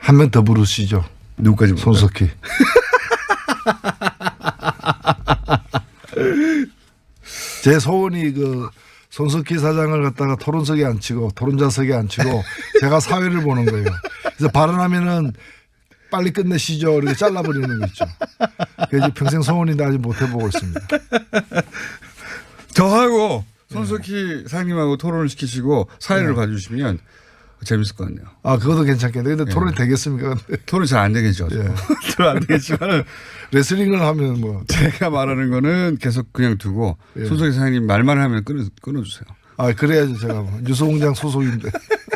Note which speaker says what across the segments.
Speaker 1: 한 명 더 부르시죠.
Speaker 2: 누구까지 부를까요?
Speaker 1: 손석희. 제 소원이 그 손석희 사장을 갖다가 토론석에 앉히고 토론자석에 앉히고 제가 사회를 보는 거예요. 그래서 발언하면은 빨리 끝내시죠. 이렇게 잘라버리는 거 있죠. 그게 이제 평생 소원인데 아직 못 해보고 있습니다.
Speaker 2: 저하고 손석희 사장님하고 토론을 시키시고 사회를 봐주시면 재밌을 것 같네요.
Speaker 1: 아, 그것도 괜찮겠네. 근데 토론이 되겠습니까? 근데
Speaker 2: 토론이 잘 안 되겠죠. 토론 안 되겠지만
Speaker 1: 레슬링을 하면 뭐.
Speaker 2: 제가 말하는 거는 계속 그냥 두고 손석희 사장님 말만 하면 끊어주세요.
Speaker 1: 아, 그래야지 제가 뭐. 뉴스공장 소속인데.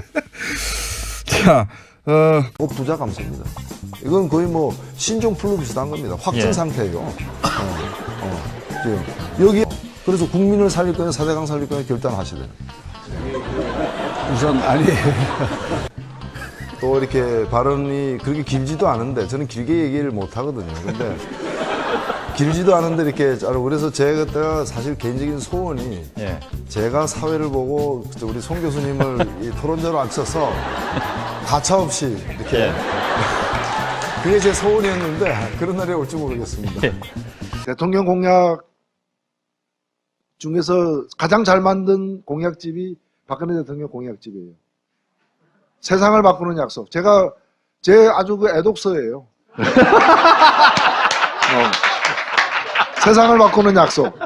Speaker 2: 자,
Speaker 3: 부자 감소입니다. 이건 거의 뭐 신종 플루 비슷한 겁니다. 확진 상태예요. 지금 여기 그래서 국민을 살릴 거냐 사대강 살릴 거냐 결단하셔야 돼요.
Speaker 1: 우선 아니.
Speaker 3: 또 이렇게 발언이 그렇게 길지도 않은데 저는 길게 얘기를 못 하거든요. 근데 길지도 않은데 이렇게 그래서 제가 사실 개인적인 소원이 제가 사회를 보고 우리 송 교수님을 이 토론자로 앉혀서 가차없이 이렇게 그게 제 소원이었는데 그런 날이 올지 모르겠습니다.
Speaker 1: 대통령 공약 중에서 가장 잘 만든 공약집이 박근혜 대통령 공약집이에요. 세상을 바꾸는 약속. 제가 제 아주 그 애독서예요. 세상을 바꾸는 약속.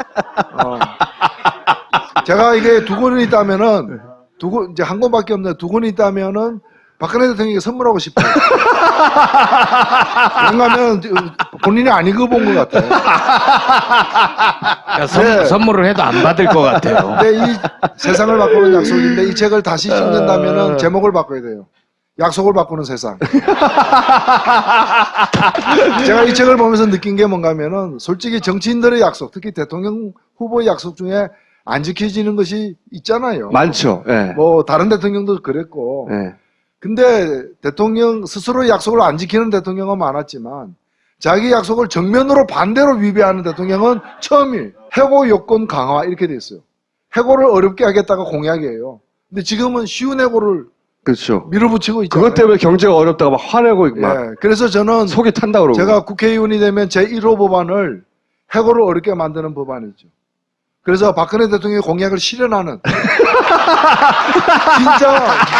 Speaker 1: 제가 이게 두 권이 있다면은 이제 한 권밖에 없는데 두 권이 있다면은 박근혜 대통령에게 선물하고 싶어요. 왜냐하면 본인이 안 읽어본 것 같아요.
Speaker 4: 그러니까 선물을 해도 안 받을 것 같아요.
Speaker 1: 근데 이 세상을 바꾸는 약속인데 이 책을 다시 읽는다면은 제목을 바꿔야 돼요. 약속을 바꾸는 세상. 제가 이 책을 보면서 느낀 게 뭔가 하면은 솔직히 정치인들의 약속, 특히 대통령 후보의 약속 중에 안 지켜지는 것이 있잖아요.
Speaker 5: 많죠. 예.
Speaker 1: 뭐 다른 대통령도 그랬고.
Speaker 5: 예.
Speaker 1: 근데 대통령 스스로의 약속을 안 지키는 대통령은 많았지만 자기 약속을 정면으로 반대로 위배하는 대통령은 처음이에요. 해고 요건 강화 이렇게 돼 있어요. 해고를 어렵게 하겠다가 공약이에요. 근데 지금은 쉬운 해고를
Speaker 5: 그렇죠.
Speaker 1: 밀어붙이고 있잖아요.
Speaker 5: 그것 때문에 경제가 어렵다가 막 화내고 막
Speaker 1: 예, 그래서 저는
Speaker 5: 속이 탄다 그러고.
Speaker 1: 제가 국회의원이 되면 제1호 법안을 해고를 어렵게 만드는 법안이죠. 그래서 박근혜 대통령의 공약을 실현하는 진짜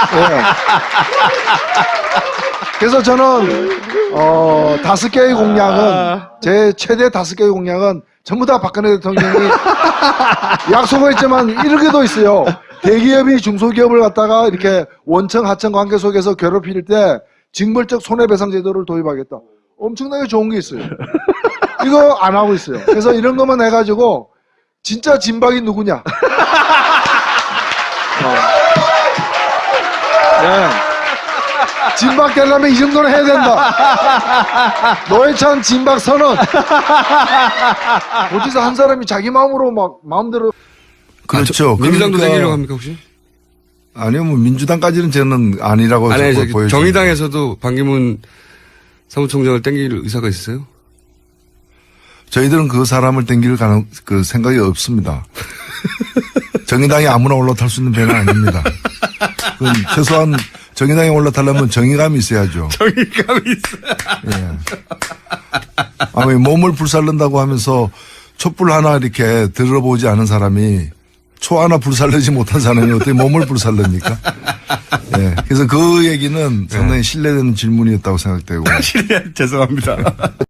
Speaker 1: 그래서 저는 5개의 공약은 제 최대 5개의 공약은 전부 다 박근혜 대통령이 약속을 했지만 이렇게도 있어요. 대기업이 중소기업을 갖다가 이렇게 원청 하청 관계 속에서 괴롭힐 때 징벌적 손해배상 제도를 도입하겠다. 엄청나게 좋은 게 있어요. 이거 안 하고 있어요. 그래서 이런 것만 해가지고 진짜 진박이 누구냐? 네. 진박 되려면 이 정도는 해야 된다. 노회찬 진박 선언. 어디서 한 사람이 자기 마음으로 막 마음대로. 그렇죠.
Speaker 2: 민주당도 내기려고 합니까 혹시?
Speaker 1: 아니요, 뭐 민주당까지는 저는 아니라고 보여요.
Speaker 2: 정의당에서도 반기문 사무총장을 땡길 의사가 있으세요?
Speaker 1: 저희들은 그 사람을 땡길 그 생각이 없습니다. 정의당이 아무나 올라탈 수 있는 배는 아닙니다. 그건 최소한 정의당에 올라타려면 정의감이 있어야죠.
Speaker 2: 정의감이 있어.
Speaker 1: 예. 아니, 몸을 불살른다고 하면서 촛불 하나 이렇게 들어보지 않은 사람이 초 하나 불살르지 못한 사람이 어떻게 몸을 불살릅니까? 예. 그래서 그 얘기는 상당히 신뢰되는 질문이었다고 생각되고.
Speaker 2: 죄송합니다.